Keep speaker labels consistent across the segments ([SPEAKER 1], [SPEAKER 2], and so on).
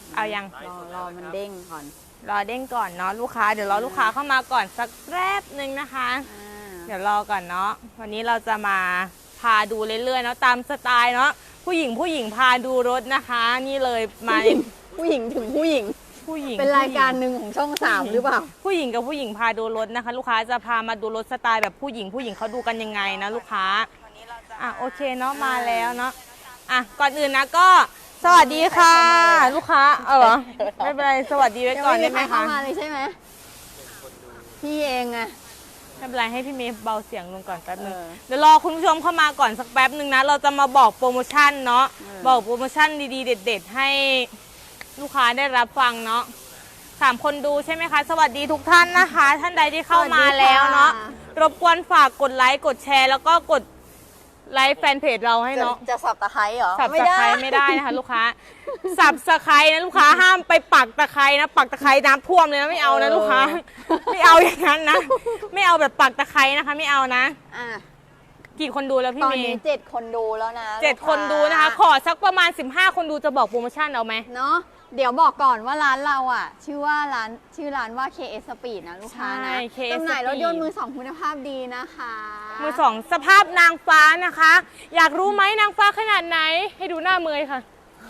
[SPEAKER 1] เอายัง
[SPEAKER 2] รอมันเด้งก่อน
[SPEAKER 1] รอเด้งก่อนเนาะลูกค้าเดี๋ยวรอลูกค้าเข้ามาก่อนสักแป๊บนึงนะคะเดี๋ยวรอก่อนเนาะวันนี้เราจะมาพาดูเรื่อยๆเนาะตามสไตล์เนาะผู้หญิงพาดูรถนะคะนี่เลยมา
[SPEAKER 2] ผู้หญิงถึงผู้หญิงเป็นรายการหนึ่งของช่อง3หรือเปล่า
[SPEAKER 1] ผู้หญิงกับผู้หญิงพาดูรถนะคะลูกค้าจะพามาดูรถสไตล์แบบผู้หญิงเขาดูกันยังไงนะลูกค้าโอเคเนาะมาแล้วเนาะก่อนอื่นนะก็สวัสดีค่ะลูกค้าเหรอไม่เป็นไรสวัสดีไว้ก่อนได้ไหมคะ
[SPEAKER 2] เข้ามาเลยใช่ไหมพี่เองอะ
[SPEAKER 1] ไม่เป็นไรให้พี่เมย์เบาเสียงลงก่อนแป๊บนึงเดี๋ยวรอคุณผู้ชมเข้ามาก่อนสักแป๊บนึงนะเราจะมาบอกโปรโมชั่นเนาะบอกโปรโมชั่นดีๆเด็ดๆให้ลูกค้าได้รับฟังเนาะ3 คนดูใช่ไหมคะสวัสดีทุกท่านนะคะท่านใดที่เข้ามาแล้วเนาะรบกวนฝากกดไลค์กดแชร์แล้วก็กดไลค์แฟนเพจเราให้เนาะ
[SPEAKER 2] จะสับตะไคร้เหรอ
[SPEAKER 1] สับตะไคร้ไม่ได้นะคะลูกค้าสับตะไคร้นะลูกค้าห้ามไปปักตะไคร้นะปักตะไคร้น้ำท่วมเลยนะไม่เอานะลูกค้าไม่เอาอย่างนั้นนะไม่เอาแบบปักตะไคร้นะคะไม่เอานะกี่คนดูแล้วพี่เมย์ตอน
[SPEAKER 2] นี้7 คนดูแล้วนะ
[SPEAKER 1] 7 คนดูนะคะขอสักประมาณ15 คนดูจะบอกโปรโมชั่นเอาไหม
[SPEAKER 2] เนาะเดี๋ยวบอกก่อนว่าร้านเราชื่อร้านว่า KS Speed นะลูกค้านะจำหน่ายรถยนต์มือ2คุณภาพดีนะคะ
[SPEAKER 1] มือ2สภาพนางฟ้านะคะอยากรู้ไหมนางฟ้าขนาดไหนให้ดูหน้าเมยค่ะ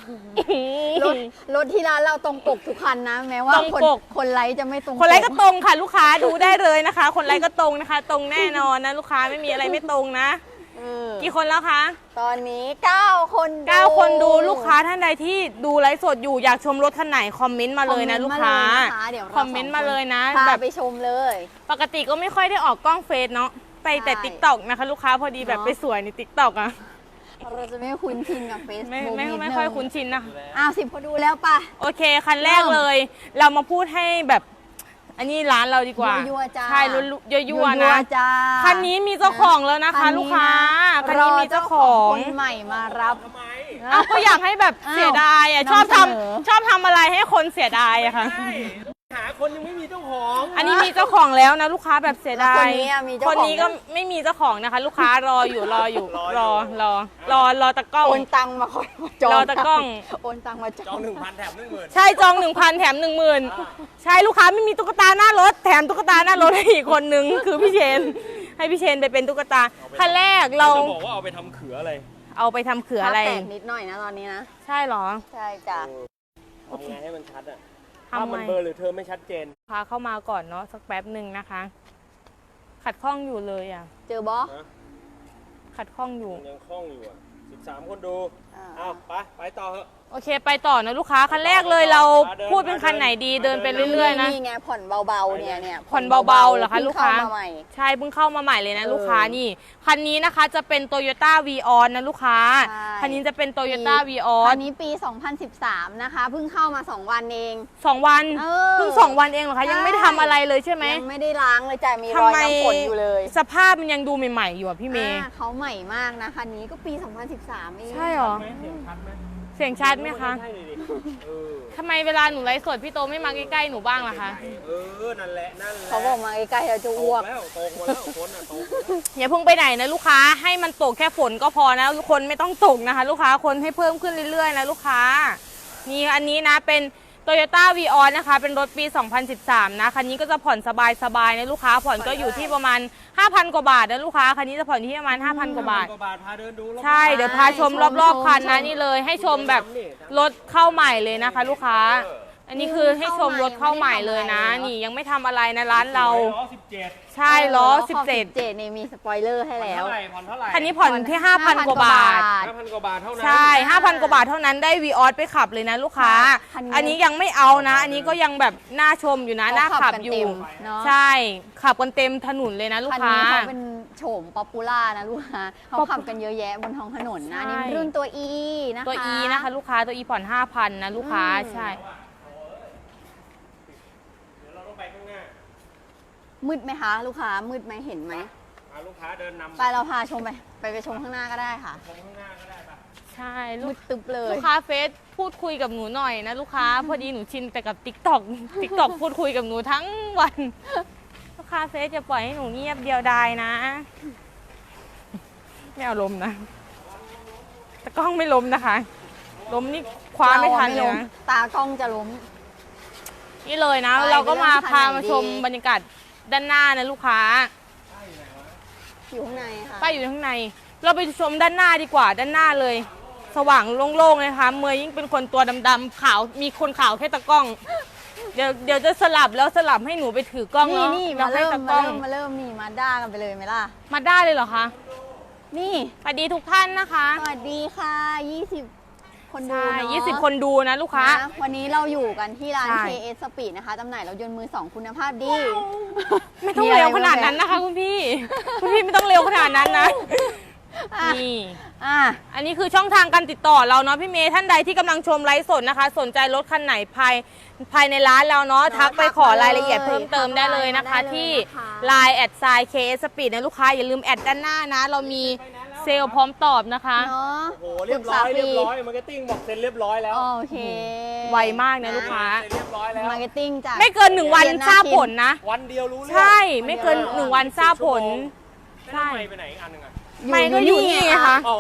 [SPEAKER 2] รถที่ร้านเราตรงปกทุกคันนะแม้ว่าคนไลค์จะไม่ตรง
[SPEAKER 1] คนไลค์ก็ตรงค่ะลูกค้าดูได้เลยนะคะคนไลค์ก็ตรงนะคะตรงแน่นอนนะลูกค้าไม่มีอะไรไม่ตรงนะกี่คนแล้วคะ
[SPEAKER 2] ตอนนี้9 คน
[SPEAKER 1] ดูลูกค้าท่านใดที่ดูไลฟ์สดอยู่อยากชมรถคันไหนคอมเมนต์มาเลยนะลูกค้าคอมเมนต์มาเลยนะ
[SPEAKER 2] แบบไปชมเลย
[SPEAKER 1] ปกติก็ไม่ค่อยได้ออกกล้องเฟซเนาะไปแต่ TikTok นะคะลูกค้าพอดีแบบไปสวยใน TikTok
[SPEAKER 2] เราจะไม่คุ้นชินกับเฟซบุ๊ก
[SPEAKER 1] ไม่ค่อยคุ้นชินนะ
[SPEAKER 2] 10 คนดูแล้วป่ะ
[SPEAKER 1] โอเคคันแรกเลยเรามาพูดให้แบบอันนี้ร้านเราดีกว่าใช่ยั่วๆนะคันนี้มีเจ้าของแล้วนะคะลูกค้าคันนี้มีเจ้าของ
[SPEAKER 2] คนใหม่มารับ
[SPEAKER 1] ก็อยากให้แบบเสียดายชอบทำอะไรให้คนเสียดายอะค่ะ
[SPEAKER 3] หาคนยังไม่มีเจ้าของ
[SPEAKER 1] อันนี้มีเจ้าของแล้วนะลูกค้าแบบเสียดายคนนี้ก็ไม่มีเจ้าของนะคะลูกค้ารออยู่รอตะกล้อง
[SPEAKER 2] โอนตังมาคอยจอง
[SPEAKER 1] รอตะกล้อง
[SPEAKER 2] โอนตังมาจอง
[SPEAKER 3] 1,000 แถม 10,000
[SPEAKER 1] ใช่จอง 1,000 แถม 10,000ใช่ลูกค้าไม่มีตุ๊กตาหน้ารถแถมตุ๊กตาหน้ารถให้อีกคนนึงคือพี่เชนให้พี่เชนไปเป็นตุ๊กตาคันแรกเรา
[SPEAKER 3] จะบอกว่าเอาไปทำเขืออะไร
[SPEAKER 1] เอาไปทำเขืออะไร
[SPEAKER 2] แตกนิดหน่อยนะตอนนี้นะ
[SPEAKER 1] ใช่หรอ
[SPEAKER 2] ใช่จ้ะ
[SPEAKER 3] ทำไงให้มันชัดอะถ้ามันเบลอหรือเธอไม่ชัดเจน
[SPEAKER 1] พาเข้ามาก่อนเนาะสักแป๊บหนึ่งนะคะขัดข้องอยู่เลย
[SPEAKER 2] เจอบอ
[SPEAKER 1] ขัดข้องอยู่
[SPEAKER 3] ยังข้องอยู่13 คนดูไปต่อเถอะ
[SPEAKER 1] โอเคไปต่อนะลูกค้าคันแรกเลยเราพูดเป็นคันไหนดีเดินไปเรื่อยๆนะ
[SPEAKER 2] นี่ไงผ่อนเบาๆเนี่ย
[SPEAKER 1] ผ่อนเบาๆเหรอคะลูกค้าใช่เพิ่งเข้ามาใหม่เลยนะลูกค้านี่คันนี้นะคะจะเป็น Toyota Vios นะลูกค้าคันนี้จะเป็น Toyota Vios
[SPEAKER 2] คันนี้ปี 2013นะคะเพิ่งเข้ามา2 วันเอง
[SPEAKER 1] 2 วันเพิ่ง2 วันเองเหรอคะยังไม่ได้ทำอะไรเลยใช่ไหม
[SPEAKER 2] ยังไม่ได้ล้างเลยจ้ะมีรอยน้ำฝนอยู่เลย
[SPEAKER 1] สภาพมันยังดูใหม่ๆอยู่พี่เมย์
[SPEAKER 2] เขาใหม่มากนะคันนี้ก็ปี 2013เอง
[SPEAKER 1] ใช่หรอเสียงชัดไหมคะทำไมเวลาหนูไลฟ์สดพี่โตไม่มาใกล้ๆหนูบ้างล่ะคะ
[SPEAKER 3] นั่นแหละ
[SPEAKER 2] เขาบอกมาใกล้ๆเราจะอ้วก
[SPEAKER 3] แล้วโตมาแล้วคนโต
[SPEAKER 1] อย่าเพิ่งไปไหนนะลูกค้าให้มันตกแค่ฝนก็พอนะคนไม่ต้องตกนะคะลูกค้าคนให้เพิ่มขึ้นเรื่อยๆนะลูกค้านี่อันนี้นะเป็น Toyota Vios นะคะเป็นรถปี 2013นะคันนี้ก็จะผ่อนสบายๆนะลูกค้าผ่อนก็อยู่ที่ประมาณ 5,000 กว่าบาทนะลูกค้าคันนี้จะผ่อนที่ประมาณ 5,000 กว่าบาทใช่เดี๋ยวพาชมรอบๆคันนะนี่เลยให้ชมแบบรถเข้าใหม่เลยนะคะลูกค้าอันนี้คือให้ชมรถเข้าใหม่เลยนะนี่ยังไม่ทำอะไรนะร้านเรา
[SPEAKER 3] ล้อ17
[SPEAKER 1] ใช่ล้อ17
[SPEAKER 2] นี่มีสปอยเลอร์ให้แล้ว
[SPEAKER 3] ผ่อนเท่าไหร่
[SPEAKER 1] คันนี้ผ่อนที่ 5,000 กว่าบาท
[SPEAKER 3] 5,000 กว่าบาทเท่านั้น
[SPEAKER 1] ใช่ 5,000 กว่าบาทเท่านั้นได้ Vios ไปขับเลยนะลูกค้าอันนี้ยังไม่เอานะอันนี้ก็ยังแบบน่าชมอยู่นะน่าขับอยู่ใช่ขับกันเต็มถนนเลยนะลูกค้า
[SPEAKER 2] คันนี้เขาเป็นโฉมป๊อปปูล่านะลูกค้าเขาขับกันเยอะแยะบนท้องถนนนะนี่รุ่นตัว E นะคะ
[SPEAKER 1] ตัว E นะคะลูกค้าตัว E ผ่อน 5,000 นะลูกค้าใช่
[SPEAKER 2] มืดไหมคะลูกค้ามืดไหมเห็นไหม
[SPEAKER 3] ลูกค้าเดินนำ
[SPEAKER 2] ไปเราพาชมไปชมข้างหน้าก็ได้ค่ะ
[SPEAKER 3] ชมข้างหน้าก็ได้ปะ
[SPEAKER 1] ใช่
[SPEAKER 2] มืดตึ๊บเลย
[SPEAKER 1] ลูกค้าเฟซพูดคุยกับหนูหน่อยนะลูกค้าพอดีหนูชินแต่กับ TikTok พูดคุยกับหนูทั้งวันลูกค้าเฟซจะปล่อยให้หนูเงียบเดียวดายนะไม่เอาลมนะแต่กล้องไม่ล้มนะคะล้มนี่คว้าไม่ทัน
[SPEAKER 2] ร
[SPEAKER 1] เลย
[SPEAKER 2] ล้ม
[SPEAKER 1] นะ
[SPEAKER 2] ตากล้องจะล้ม
[SPEAKER 1] นี่เลยนะ
[SPEAKER 2] ไป
[SPEAKER 1] เราก็มา
[SPEAKER 2] ไปเรื่อง
[SPEAKER 1] พา
[SPEAKER 2] คันไหน
[SPEAKER 1] มาชม
[SPEAKER 2] ดี
[SPEAKER 1] บรรยากาศด้านหน้านะลูกค้า
[SPEAKER 2] อยู่ข้างในค่ะ
[SPEAKER 1] ป้ายอยู่ข้างใน เราไปชมด้านหน้าดีกว่าด้านหน้าเลย สว่างโล่งๆเลยนะคะเมย์ยิ่งเป็นคนตัวดำๆขาวมีคนขาวแค่ตะกล้อง เดี๋ยวจะสลับแล้วสลับให้หนูไปถือกล้อง
[SPEAKER 2] นี่
[SPEAKER 1] เนาะ
[SPEAKER 2] นี่
[SPEAKER 1] แล้
[SPEAKER 2] มาว
[SPEAKER 1] ให้
[SPEAKER 2] เริ่ม
[SPEAKER 1] ตะก
[SPEAKER 2] มา
[SPEAKER 1] ล้อง
[SPEAKER 2] เริ่มมาเริ่มนี่มาด้ากันไปเลยไหมล่ะ
[SPEAKER 1] มาได้เลยเหรอคะ
[SPEAKER 2] นี่
[SPEAKER 1] สวัสดีทุกท่านนะคะ
[SPEAKER 2] สวัสดีค่ะ 20 คนดู
[SPEAKER 1] ใช่
[SPEAKER 2] เนาะ
[SPEAKER 1] 20 คนดูนะลูกค้า
[SPEAKER 2] นะวันนี้เราอยู่กันที่ร้าน
[SPEAKER 1] ใช่
[SPEAKER 2] KS Speed นะคะจำหน่ายรถยนต์มือ 2 คุณภาพดี
[SPEAKER 1] ไม่ต้องเร็วขนาดนั้นนะคะคุณพี่ คุณพี่ไม่ต้องเร็วขนาดนั้นนะ
[SPEAKER 2] อ่ะ
[SPEAKER 1] นี่
[SPEAKER 2] อ่ะ
[SPEAKER 1] อันนี้คือช่องทางการติดต่อเราเนาะพี่เมย์ท่านใดที่กำลังชมไลฟ์สดนะคะ สนใจรถคันไหนภายในร้านเราเนาะทักไปขอรายละเอียดเพิ่มเติมได้เลยนะคะ ที่ Line @KS Speed นะลูกค้าอย่าลืมแอดด้านหน้านะ เรามีเซลล์พร้อมตอบนะคะ
[SPEAKER 2] เนาะ
[SPEAKER 3] โอ้โหเรียบร้อยเรียบร้อยมาร์เก็ตติ้งบอกเซ็นเรียบร้อยแล้ว
[SPEAKER 2] โอเค
[SPEAKER 1] ไวมากนะลูกค้า
[SPEAKER 3] เซ็นเรียบร้อยแล้ว
[SPEAKER 2] มาร์เก็ตติ้งจาก
[SPEAKER 1] ไม่เกิน1 วันทราบผลนะ
[SPEAKER 3] วันเดียวรู้เรื่อง
[SPEAKER 1] ใช่ไม่เกิน1 วันทราบผล
[SPEAKER 3] ใช่ไปไหนอีกอันหนึงอ่ะ
[SPEAKER 1] ไม่ก็อยู่นี่ไงคะ
[SPEAKER 3] อ๋อ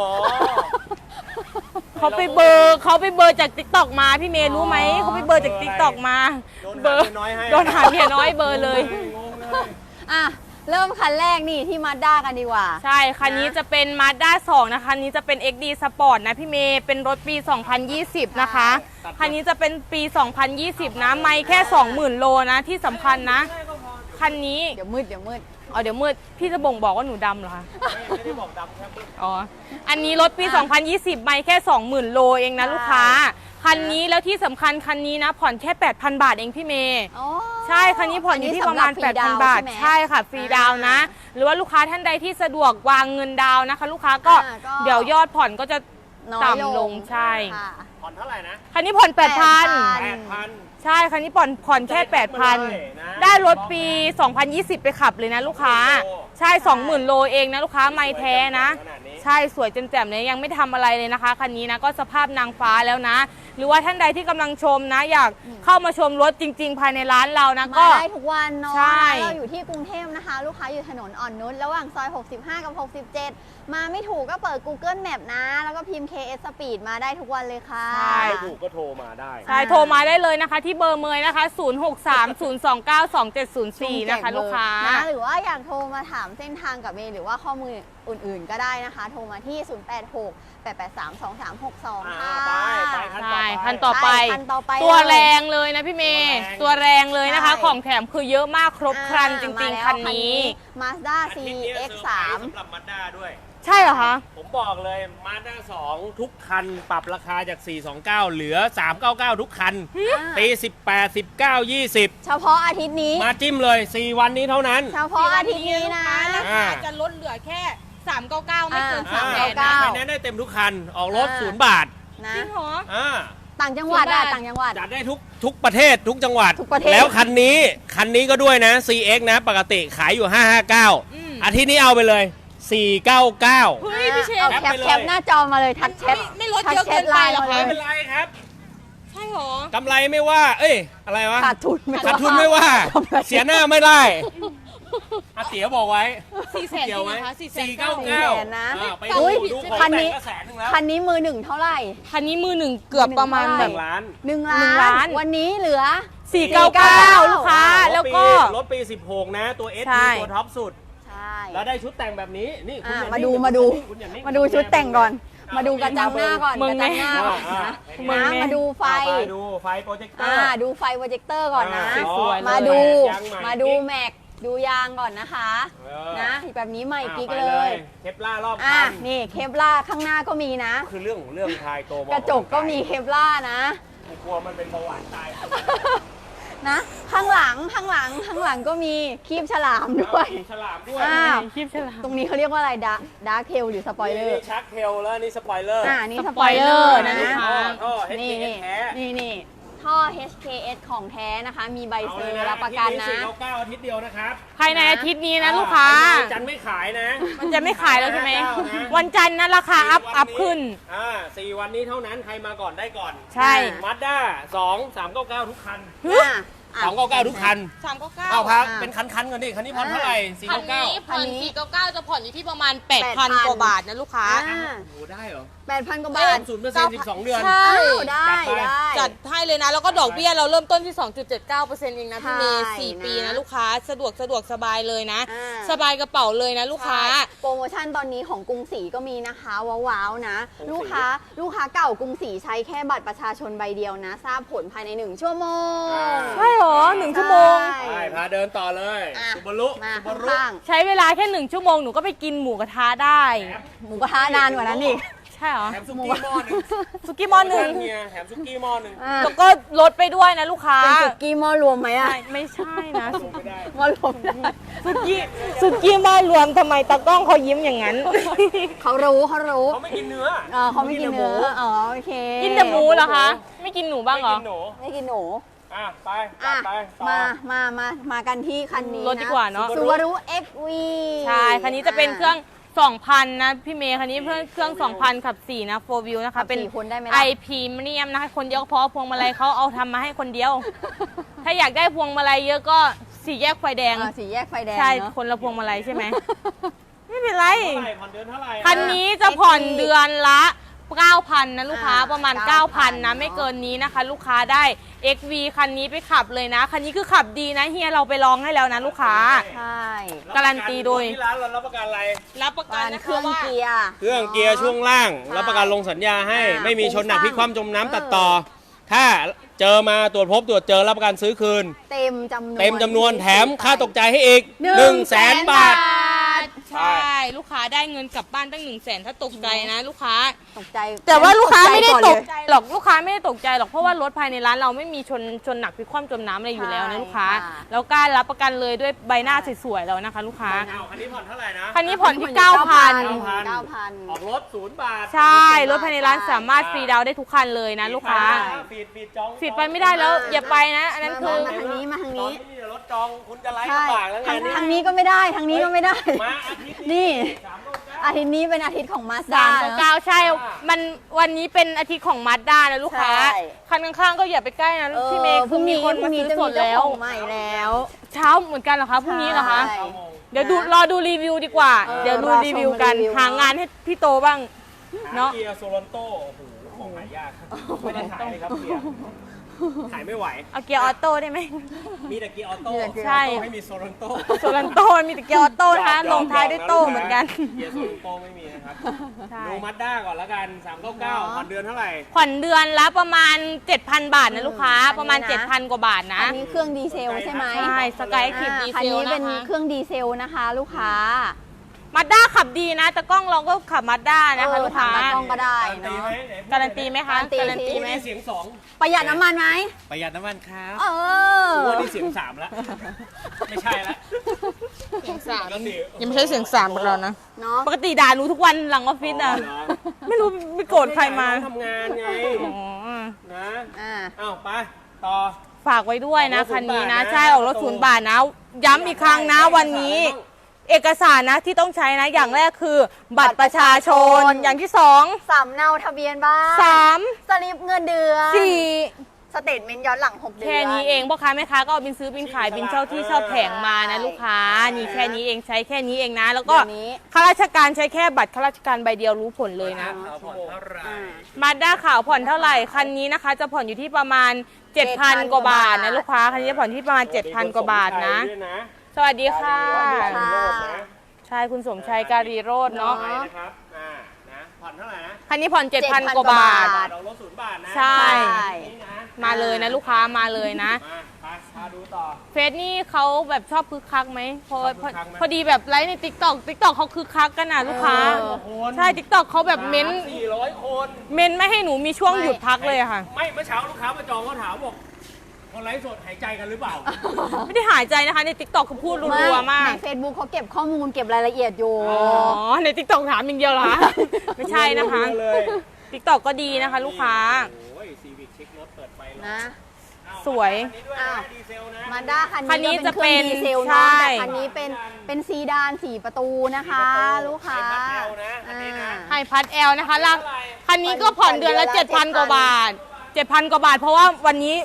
[SPEAKER 1] เขาไปเบอร์จากติ๊กต็อกมาพี่เมย์รู้ไหมเขาไปเบอร์จากติ๊กต็อกมา
[SPEAKER 3] โดนหาเมียน้อยให้
[SPEAKER 1] โดนหาเมียน้อยเบอร์เลย
[SPEAKER 3] งงเลย
[SPEAKER 2] อ่ะ เริ่มคันแรกนี่ที่มาด้ากันดีกว่า
[SPEAKER 1] ใช่ คันนี้จะเป็น Mazda 2 นะคะคันนี้จะเป็น XD Sport นะพี่เมย์เป็นรถปี 2020 นะคะ คันนี้จะเป็นปี 2020 นะ ไม่แค่ 20,000 โลนะที่สำคัญนะ คันนี้
[SPEAKER 2] เดี๋ยวมืดเดี๋ยวมืด
[SPEAKER 1] เดี๋ยวมืดพี่จะบ่งบอกว่าหนูดำเหรอคะ
[SPEAKER 3] ไม่ได้บอกดำแค่ปึ๊บ
[SPEAKER 1] อ๋อ อันนี้รถปี 2020 ไม่แค่ 20,000 โลเองนะลูกค้า คันนี้แล้วที่สำคัญคันนี้นะผ่อนแค่ 8,000 บาทเองพี่เมย์
[SPEAKER 2] อ๋อ
[SPEAKER 1] ใช่ คันนี้ผ่อนอยู่ที่ประมาณ
[SPEAKER 2] อันนี้สำหรับฟรีดาวน์
[SPEAKER 1] 8,000 บาท
[SPEAKER 2] ใช่ไหม
[SPEAKER 1] ใช่ค่ะ ฟรีดาวน์นะ หรือว่าลูกค้าท่านใดที่สะดวกวางเงินดาวน์นะคะ ลูกค้าก็
[SPEAKER 2] ก็
[SPEAKER 1] เดี๋ยวยอดผ่อนก็จะ
[SPEAKER 2] น้อย
[SPEAKER 1] ต่ำลงใช่
[SPEAKER 2] ค่ะ
[SPEAKER 3] ผ่อนเท่าไหร่นะ
[SPEAKER 1] คันนี้ผ่อน 8,000
[SPEAKER 3] 8,000
[SPEAKER 1] ใช่ คันนี้ผ่อนแค่
[SPEAKER 3] เลยนะ
[SPEAKER 1] 8,000 ได้รถปี 2020 ไปขับเลยนะลูกค้า ใช่ 20,000 โลเองนะลูกค้าไม่แท้นะ
[SPEAKER 3] ขนาดนี้
[SPEAKER 1] ใช่สวยแจ่มๆเลยยังไม่ทำอะไรเลยนะคะคันนี้นะก็สภาพนางฟ้าแล้วนะ หรือว่าท่านใดที่กำลังชมนะ อยากเข้ามาชมรถจริง ๆ ภายในร้านเรานะ
[SPEAKER 2] มา
[SPEAKER 1] ก็
[SPEAKER 2] ได้ทุกวันเนาะ
[SPEAKER 1] ใช่
[SPEAKER 2] เราอยู่ที่กรุงเทพนะคะ ลูกค้าอยู่ถนนอ่อนนุชระหว่างซอย 65 กับ 67 มาไม่ถูกก็เปิด Google Map นะ แล้วก็พิมพ์ KS Speed มาได้ทุกวันเลยค่ะ
[SPEAKER 3] ไม่ถูกก็โทรมาได้
[SPEAKER 1] ใช่โทรมาได้เลยนะคะที่เบอร์เมยนะคะ 0630292704 นะคะลูกค้า
[SPEAKER 2] นะหรือว่าอยากโทรมาถามเส้นทางกับเมย์หรือว่าข้อมูลอื่นๆก็ได้นะคะ โทรมาที่ 0868832362 ค่ะ
[SPEAKER 3] ไปคันต่อ
[SPEAKER 1] ใช่
[SPEAKER 3] ไป
[SPEAKER 1] คันต่อไป
[SPEAKER 2] คันต่อไป
[SPEAKER 1] ตัว
[SPEAKER 2] เลย
[SPEAKER 1] แรงเลยนะพี่เมย์
[SPEAKER 3] ตั
[SPEAKER 1] ตัว
[SPEAKER 3] ว
[SPEAKER 1] แร
[SPEAKER 3] แรง ง
[SPEAKER 1] เลยนะคะ
[SPEAKER 2] ใช่
[SPEAKER 1] ของแถมคือเยอะมากครบครันจริง
[SPEAKER 2] มา
[SPEAKER 1] ๆ
[SPEAKER 2] แล้ว
[SPEAKER 1] คันนี้
[SPEAKER 2] Mazda
[SPEAKER 3] อาทิตย์นี้เซอร์ไพรส์
[SPEAKER 2] CX3
[SPEAKER 3] สำหรับมาด้าด้วย
[SPEAKER 1] ใช่เหรอคะ
[SPEAKER 3] ผมบอกเลยมาด้า2 ทุกคันปรับราคาจาก 429 เหลือ 399 ทุกคัน ปี 18 19 20
[SPEAKER 2] เฉพาะอาทิตย์นี้
[SPEAKER 3] มาจิ้มเลย 4 วันนี้เท่านั้น
[SPEAKER 2] เฉพาะอาทิตย์นี้นะ
[SPEAKER 1] ราคาจะลดเหลือแค่ 399 ไม่เกิน
[SPEAKER 2] อ่า
[SPEAKER 1] 300
[SPEAKER 3] ไฟแนนซ์ได้เต็มทุกคัน ออกรถ
[SPEAKER 2] อ่า
[SPEAKER 3] 0 บาท
[SPEAKER 2] นะ
[SPEAKER 1] จริงเหรอ
[SPEAKER 3] อ่า
[SPEAKER 2] ต่างจังหวัดอะ
[SPEAKER 1] ส่วนมาก
[SPEAKER 2] ต่างจังหวัด
[SPEAKER 3] จัดได้ทุกประเทศทุกจังหวัด
[SPEAKER 2] ทุกประเทศ
[SPEAKER 3] แล้วคันนี้ก็ด้วยนะ CX นะ ปกติขายอยู่ 559 อาทิตย์นี้เอาไปเลย 499
[SPEAKER 1] เฮ้ยพี่เชฟ
[SPEAKER 2] เอา
[SPEAKER 3] แคป
[SPEAKER 2] แคป
[SPEAKER 3] ไปเลย
[SPEAKER 2] แคปหน้าจอมาเลยทักแชท
[SPEAKER 1] ไม่ลดเยอะเกินไปเหรอคะ
[SPEAKER 3] ไม่เป็นไรครับ
[SPEAKER 1] ใช่เหรอ
[SPEAKER 3] กำไรไม่ว่า เอ้ย อะไรวะ
[SPEAKER 2] ขาดทุนไม่
[SPEAKER 3] ขาดทุนไม่ว่า
[SPEAKER 2] กำไร
[SPEAKER 3] เสียหน้าไม่ได้อาเตี๋ยบอกไว้
[SPEAKER 1] 400,000
[SPEAKER 3] เกี่ยวไหม
[SPEAKER 1] จริงเหรอคะ
[SPEAKER 3] 499
[SPEAKER 2] นะ
[SPEAKER 3] ไป
[SPEAKER 2] อุ๊ย
[SPEAKER 3] ดูของ
[SPEAKER 2] คันนี้
[SPEAKER 3] แต่งก็แสนหนึงแล้ว
[SPEAKER 2] คันนี้มือหนึ่งเท่าไหร่
[SPEAKER 1] คันนี้มือหนึ่งเกือบประมาณ
[SPEAKER 2] 1
[SPEAKER 1] แบบ
[SPEAKER 3] 1 ล้าน
[SPEAKER 2] 1
[SPEAKER 1] 1
[SPEAKER 2] ล้า
[SPEAKER 1] ล้าน
[SPEAKER 2] น วันนี้เหลือ
[SPEAKER 1] 499 ลูกค้า แล้วก็
[SPEAKER 3] รถปี 16 นะ ตัว S
[SPEAKER 1] ใช่
[SPEAKER 3] ตัวท็อปสุด
[SPEAKER 2] ใช่
[SPEAKER 3] แล้วได้ชุดแต่งแบบนี้ นี่คุณ
[SPEAKER 2] อ่ะ
[SPEAKER 3] อย่
[SPEAKER 2] มาดู
[SPEAKER 3] นิ่ง
[SPEAKER 2] มาดู
[SPEAKER 3] คุณอย่นิ่ง
[SPEAKER 2] มาดูชุดแต่งก่อน
[SPEAKER 3] อ่ะ
[SPEAKER 2] มาดูกระจังหน้าก่อน
[SPEAKER 1] มึ
[SPEAKER 2] ก
[SPEAKER 1] ง
[SPEAKER 2] ระ
[SPEAKER 1] ไง
[SPEAKER 2] จังหน้าก่อน
[SPEAKER 3] อ่ะ
[SPEAKER 2] นะ
[SPEAKER 3] มึงไง
[SPEAKER 2] นะมาดูไฟ
[SPEAKER 3] เอาไปดูไฟโปรเจคเตอร์
[SPEAKER 2] ดูไฟโปรเจคเตอร์ก่อนนะ
[SPEAKER 1] สวยๆเลย
[SPEAKER 2] มาดู
[SPEAKER 3] ยางใหม่
[SPEAKER 2] มาดูแม็กดูยางก่อนนะคะ
[SPEAKER 3] เออ
[SPEAKER 2] นะแบบนี้ใหม่กิ๊ก
[SPEAKER 3] ไป
[SPEAKER 2] เลย
[SPEAKER 3] เคปล่ารอบ
[SPEAKER 2] อ่ะ
[SPEAKER 3] คัน
[SPEAKER 2] นี่เคปล่าข้างหน้าก็มีนะ
[SPEAKER 3] คือเรื่องของเรื่องทายโตม
[SPEAKER 2] กระจกก็มีเคปล่านะ
[SPEAKER 3] กูกลัวมันเป็นเบาหวานตาย
[SPEAKER 2] นะ ข้างหลังก็มีคีบฉลามด้วย
[SPEAKER 3] ฉลามด้วย
[SPEAKER 2] อ่า
[SPEAKER 1] คลิปฉลาม
[SPEAKER 2] ตรงนี้เขาเรียกว่าอะไรดาร์คเทลหรือสปอยเลอร์
[SPEAKER 3] นี่ชักเทลแล้วนี่สปอยเลอร์
[SPEAKER 2] นี่
[SPEAKER 1] ส
[SPEAKER 2] ส
[SPEAKER 1] ป
[SPEAKER 2] ป
[SPEAKER 1] อ
[SPEAKER 2] อย ย
[SPEAKER 1] เล
[SPEAKER 2] เล
[SPEAKER 1] อ
[SPEAKER 2] อ
[SPEAKER 1] ร์
[SPEAKER 2] ร์
[SPEAKER 1] นะ
[SPEAKER 2] นะ
[SPEAKER 3] ท่อ
[SPEAKER 2] นี่
[SPEAKER 3] HTS แท้
[SPEAKER 2] นี่ท่อ HKS ของแท้นะคะ มีใบเซอร์รับประกันนะ
[SPEAKER 3] 499 อาทิตย์เดียวนะครับ
[SPEAKER 1] ภายในอาทิตย์นี้นะลูกค้า
[SPEAKER 3] จันไม่ขายนะ
[SPEAKER 1] มันจะไม่ขายแล้วใช่ไหม
[SPEAKER 3] 499นะ
[SPEAKER 1] วันจันทร์นะราคาอัพขึ้น
[SPEAKER 3] 4 วันนี้เท่านั้นใครมาก่อนได้ก่อน
[SPEAKER 1] ใช่
[SPEAKER 3] มาด้า2 399 ทุกคัน
[SPEAKER 2] อ่ะ
[SPEAKER 3] 299 ทุกคัน
[SPEAKER 1] 399
[SPEAKER 3] เอาพักเป็นคันๆก่อนดิคันนี้ผ่อนเท่าไหร่
[SPEAKER 1] คันนี้
[SPEAKER 3] 499
[SPEAKER 1] ผ่อน499 จะผ่อนอยู่ที่ประมาณ
[SPEAKER 2] 8,000
[SPEAKER 1] 8,000 กว่าบาทนะลูกค้า
[SPEAKER 2] อ่า
[SPEAKER 3] โอ้โหได้เหรอ
[SPEAKER 2] 8,000 กว่าบาท
[SPEAKER 3] 0% 12 เดือน
[SPEAKER 1] ใช่
[SPEAKER 2] อ้าวได้
[SPEAKER 3] จัดไป
[SPEAKER 2] ได้
[SPEAKER 1] จัดให้เลยนะ แล้วก็ดอกเบี้ยเราเริ่มต้นที่ 2.79% เองนะพี่เมย์
[SPEAKER 2] ใช่
[SPEAKER 1] 4 ปี
[SPEAKER 2] นะ
[SPEAKER 1] นะลูกค้าสะดวกสบายเลยนะ
[SPEAKER 2] อ่า
[SPEAKER 1] สบายกระเป๋าเลยนะลูกค้า
[SPEAKER 2] โปรโมชั่นตอนนี้ของกรุงศรีก็มีนะคะว้าวๆนะ
[SPEAKER 3] กรุงศรี
[SPEAKER 2] ลูกค้าเก่ากรุงศรีใช้แค่บัตรประชาชนใบเดียวนะ ทราบผลภายใน 1 ชั่วโมง
[SPEAKER 1] ใช่เหรอ1 ชั่วโมง
[SPEAKER 2] ใช่
[SPEAKER 3] ไปพาเดินต่อเลย
[SPEAKER 2] อ่ะ
[SPEAKER 3] ซูบารุ
[SPEAKER 2] มา
[SPEAKER 3] ซูบารุ
[SPEAKER 2] ข้าง
[SPEAKER 1] ใช้เวลาแค่1 ชั่วโมงหนูก็ไปกินหมูกระทะได้
[SPEAKER 2] ๆหมูกระทะนานกว่านั้นอีก
[SPEAKER 1] ใช่เหรอ
[SPEAKER 3] แถมซุกี้หม้อหนึ่ง
[SPEAKER 1] สุกี้หม้อหนึ่ง
[SPEAKER 3] เฮียแถมซุกี้หม้อหนึ่ง
[SPEAKER 2] อ่ะ
[SPEAKER 1] แล้วก็ลดไปด้วยนะลูกค้า
[SPEAKER 2] เป็นสุกี้หม้อรวมไหมอะ
[SPEAKER 1] ไม่ใช่นะ
[SPEAKER 3] ไม่ได้
[SPEAKER 2] หม้อรวมได้
[SPEAKER 1] สุกี้หม้อรวมทำไมตากล้องเขายิ้มอย่างนั้น
[SPEAKER 2] เขารู้
[SPEAKER 3] เขาไม่กินเนื้อ
[SPEAKER 2] เขาไม่กินเนื้ออ๋อโอเค
[SPEAKER 1] กินแต่หมูเหรอคะ ไม่กินหนูบ้างเหรอ
[SPEAKER 3] ไม่กินหนู
[SPEAKER 2] ไม่กินหนู
[SPEAKER 3] อ่ะไปจั
[SPEAKER 2] อ่ะ
[SPEAKER 3] ดไปต่อ
[SPEAKER 2] มากันที่คันนี้
[SPEAKER 1] รถดีกว่าเนอะ
[SPEAKER 2] ซูบารุ XV
[SPEAKER 1] ใช่ คันนี้จะเป็นเครื่อง 2,000 นะพี่เมย์ คันนี้เพื่อเครื่อง 2,000 ขับ 4 นะ 4 wheel นะคะ เป็น
[SPEAKER 2] 4 คนได้ไหมล่ะ
[SPEAKER 1] ไอพีเมียมนะคะ คนเดียวก็พอพวงมาลัยเขาเอาทำมาให้คนเดียว ถ้าอยากได้พวงมาลัยเยอะก็4 แยกไฟแดง
[SPEAKER 2] สี่แยกไฟแดง
[SPEAKER 1] ใช่
[SPEAKER 2] เนอะ
[SPEAKER 1] คนละพวงมาลัยใช่ไหม ไม่เป็นไร
[SPEAKER 3] เท่าไหร่ผ่อนเดือนเท่าไหร่
[SPEAKER 1] คันนี้จะผ่อนเดือนละ 9,000 นะลูกค้า
[SPEAKER 2] อ่า
[SPEAKER 1] ประมาณ
[SPEAKER 2] 9,000
[SPEAKER 1] 9,000 นะ ไม่เกินนี้นะคะ ลูกค้าได้ XV คันนี้ไปขับเลยนะ คันนี้คือขับดีนะเฮียเราไปลองให้แล้วนะลูกค้า
[SPEAKER 2] ใช่
[SPEAKER 1] การันตีโดย
[SPEAKER 3] ที่ร้านเรารับประกันอะไร
[SPEAKER 1] รับประกัน
[SPEAKER 2] การ
[SPEAKER 1] นะ
[SPEAKER 2] เค
[SPEAKER 1] คะ
[SPEAKER 2] รื่อง
[SPEAKER 1] ว่า
[SPEAKER 2] เกียร์
[SPEAKER 3] เครื่องเกียร์ช่วงล่าง
[SPEAKER 2] ใช่
[SPEAKER 3] รับประกันลงสัญญาให้
[SPEAKER 2] อ่า
[SPEAKER 3] ไม่มีชนหนัก
[SPEAKER 2] โครงสร้าง
[SPEAKER 3] พลิกคว่ำจมน้ำตัดต่อ ถ้าเจอมาตรวจพบตรวจเจอรับประกันซื้อคืน
[SPEAKER 2] เต็มจำนวน
[SPEAKER 3] เต็มจำนวนแถมค่าตกใจให้อีก 100,000 บาท
[SPEAKER 1] ใช่ ลูกค้าได้เงินกลับบ้านตั้ง 100,000 ถ้าตกใจนะลูกค้า
[SPEAKER 2] ตกใจ
[SPEAKER 1] แต่ว่าลูกค้าไม่ได้ตก
[SPEAKER 2] ใจ
[SPEAKER 1] ใจหรอกลูกค้าไม่ได้ตกใจหรอกเพราะว่ารถภายในร้านเราไม่มีชนหนักพลิกคว่ำจมน้ำอะไรอยู่แล้วนะลูกค้า
[SPEAKER 2] ค่ะ
[SPEAKER 1] แล้วกล้ารับประกันเลยด้วยใบหน้าสวยๆแล้วนะคะ ลูกค้า
[SPEAKER 3] เอาคันนี้ผ่อนเท่าไหร่นะ
[SPEAKER 1] คันนี้ผ่อนที่ 9,000
[SPEAKER 3] ออกรถ0 บาท
[SPEAKER 1] ใช่ รถภายในร้านสามารถฟรีดาวน์ได้ทุกคันเลยนะลูกค้า
[SPEAKER 3] ฟีดจอง
[SPEAKER 1] ฟิดไปไม่ได้แล้วอย่าไปนะ อันนั้นคือ
[SPEAKER 2] มาทางนี้มาทาง
[SPEAKER 3] ตอน
[SPEAKER 2] นี้
[SPEAKER 3] นี้รถจองคุณจะไล่
[SPEAKER 2] ใช่
[SPEAKER 3] ลำบากแล้วไง
[SPEAKER 2] ทางนี้ก็ไม่ได้ทางนี้ก็ไม่ได้
[SPEAKER 3] มาอาทิตย์
[SPEAKER 2] นี่
[SPEAKER 3] 3
[SPEAKER 2] อาทิตย์นี้เป็นอาทิตย์ของมาสด้า
[SPEAKER 1] 399ใช่ มันวันนี้เป็นอาทิตย์ของมาสด้านะลูกค้า
[SPEAKER 2] ใช่
[SPEAKER 1] คันข้างๆก็อย่าไปใกล้นะพี่เมย์
[SPEAKER 2] พรุ่งนี้
[SPEAKER 1] มีคนมาซื้อสดแล้ว
[SPEAKER 2] ใหม่แล้ว
[SPEAKER 1] เช้าเหมือนกันเหรอคะพรุ่งนี้เหรอคะ
[SPEAKER 2] ใช่
[SPEAKER 1] เดี๋ยวรอดูรีวิวดีกว่า เดี๋ยวดู
[SPEAKER 2] รอชม
[SPEAKER 1] รีวิวกัน
[SPEAKER 2] รีวิว
[SPEAKER 1] หางานให้พี่โตบ้าง เนาะ
[SPEAKER 3] เกียร์โซลอนโต้โอ้โหของหายากไม่ได้ขายเลยครับเกียร์ขายไม่ไหว
[SPEAKER 1] เอาเกียร์ออโต้ได้ไหม
[SPEAKER 3] มีแต่เกียร์ออโต้
[SPEAKER 2] มีแต่เกียร์
[SPEAKER 1] ใช่
[SPEAKER 3] ไม่มีโซลอนโต้
[SPEAKER 1] โซลันโต้มีแต่เกียร์ออโต้นะคะลงท้ายด้วยโต้เหมือนกัน
[SPEAKER 3] เกียร์โซลอนโต้ไม่มีนะครับ
[SPEAKER 1] ใช่
[SPEAKER 3] ดูมัดด้าก่อนแล้วกัน 399ผ่อนเดือนเท่าไหร่
[SPEAKER 1] ผ่อนเดือนละประมาณ 7,000 บาทนะลูกค้า ประมาณ
[SPEAKER 2] อันนี้นะ
[SPEAKER 1] 7,000 กว่าบาทนะ
[SPEAKER 2] อันนี้เครื่องดีเซลใช่ไหม
[SPEAKER 1] ใช่สกายคลิปดี
[SPEAKER 2] คัน
[SPEAKER 1] เซล
[SPEAKER 2] นี้เป็น
[SPEAKER 1] นะคะ
[SPEAKER 2] เครื่องดีเซลนะคะ ลูกค้า
[SPEAKER 1] มาด้าขับดีนะแต่กล้องเราก็ขับมาด้านะคะลูกค้า
[SPEAKER 2] ถมตากล้องก็ได้เนาะ
[SPEAKER 1] การันตีไหมคะ
[SPEAKER 2] การันตี
[SPEAKER 1] ไหม
[SPEAKER 3] เสียง
[SPEAKER 2] ประหยัดน้ำมันไหม
[SPEAKER 3] 2 ประหยัดน้ำมันครับ
[SPEAKER 2] เออ
[SPEAKER 3] วันนี้เสียง 3 แล้ว ไม่ใช่แล้ว
[SPEAKER 1] เสียงสาม
[SPEAKER 3] ปกติ
[SPEAKER 1] ยังไม่ใช่เสียงสามของเรานะ
[SPEAKER 2] เนาะ
[SPEAKER 1] ปกติด่าหนูทุกวันหลังออฟฟิศอ่ะ
[SPEAKER 3] เหรอ
[SPEAKER 1] ไม่รู้ไปโกรธใครมา
[SPEAKER 3] ทำงานไง
[SPEAKER 1] อ๋อ
[SPEAKER 3] นะ
[SPEAKER 2] อ่า
[SPEAKER 3] อ้าวไปต่อ
[SPEAKER 1] ฝากไว้ด้วยนะ
[SPEAKER 3] ออกรถ
[SPEAKER 1] คันนี้นะ
[SPEAKER 3] 0 บาทนะ
[SPEAKER 1] ใช่ออกรถ0 บาทนะ ย้ำอีกครั้งนะวันนี้ เอกสารนะที่ต้องใช้นะอย่างแรกคือ บัตรประชาชนอย่างที่2
[SPEAKER 2] สำเนาทะเบียนบ้าน
[SPEAKER 1] 3
[SPEAKER 2] สลิปเงินเดือน
[SPEAKER 1] 4
[SPEAKER 2] สเตทเมนต์ย้อนหลัง 6 เดือน
[SPEAKER 1] แค่นี้เองพ่อค้าแม่ค้าก็เอาบินซื้อบินขายบินเช่าที่เช่าแผงมานะลูกค้านี่แค่นี้เองใช้แค่นี้เองนะ แล้วก็
[SPEAKER 2] เดี๋ยวนี้
[SPEAKER 1] ข้าราชการใช้แค่บัตรข้าราชการใบเดียวรู้ผลเลยนะ
[SPEAKER 3] เขาผ่อนเท่าไหร่
[SPEAKER 1] มาด้าขาวผ่อนเท่าไหร่คันนี้นะคะ จะผ่อนอยู่ที่ประมาณ 7,000 กว่าบาทนะลูกค้าคันนี้จะผ่อนที่ประมาณ 7,000 กว่าบาทนะ สวัสดีค่ะ
[SPEAKER 2] ค่ะ
[SPEAKER 1] ใช่คุณสมชัยการีโรจน์เนาะ
[SPEAKER 3] ไปนะครับนะผ่อนเท่าไหร่นะ
[SPEAKER 1] คันนี้ผ่อน 7,000 กว่าบาท
[SPEAKER 3] เราลด0 บาทนะ
[SPEAKER 1] ใช่
[SPEAKER 3] นี่นะ
[SPEAKER 1] มาเลยนะลูกค้ามาเลยนะ
[SPEAKER 3] มาไปพาดูต่อ
[SPEAKER 1] เฟซนี่เขาแบบชอบคึกคักไหมพอ
[SPEAKER 3] ชอบคึกคักไหม
[SPEAKER 1] พอดีแบบไลฟ์ในติ๊กต็อกเขาคึกคักกันนะลูกค้า
[SPEAKER 3] คน
[SPEAKER 1] ใช่ติ๊กต็อกเขาแบบเม้น
[SPEAKER 3] 400 คน
[SPEAKER 1] เม้นไม่ให้หนูมีช่วงหยุดพักเลยอะค่ะ
[SPEAKER 3] ไม่เมื่อเช้าลูกค้ามาจองเขาถามบอกคนไลฟ์สดหายใจกันหรือเปล่า
[SPEAKER 1] ไม่ได้หายใจนะคะในติ๊กต็อกเขาพูดรัวๆมาก
[SPEAKER 2] ใน Facebook เขาเก็บข้อมูลเก็บรายละเอียดอยู่
[SPEAKER 1] อ๋อในติ๊กต็อกถามอย่างเดียวเหรอคะไม่ใช่นะคะ
[SPEAKER 3] เลย
[SPEAKER 1] ติ๊กต็อกก็ดีนะคะ ลูกค้า
[SPEAKER 3] โอ้ยซีวิกเช็ครถเปิดไฟเลย
[SPEAKER 2] นะ
[SPEAKER 1] สวย
[SPEAKER 3] อันนี้ด้วยนะดีเซลนะ
[SPEAKER 2] มาด้าคั
[SPEAKER 1] คันนี้
[SPEAKER 2] นนี้
[SPEAKER 1] จะ
[SPEAKER 2] ก็เป็นเครื่องดีเซล
[SPEAKER 1] ใช่
[SPEAKER 2] เนาะแต่คันนี้เป็นซีดาน4 ประตูนะคะ ลูกค้า
[SPEAKER 3] ไอ้พัดแอลนะอันนี้นะ
[SPEAKER 1] ไฮพัดแอลนะคะคันนี้ก็ผ่อนเดือนละ 7,000 กว่าบาท 7,000 กว่าบาท เพราะว่าวันนี้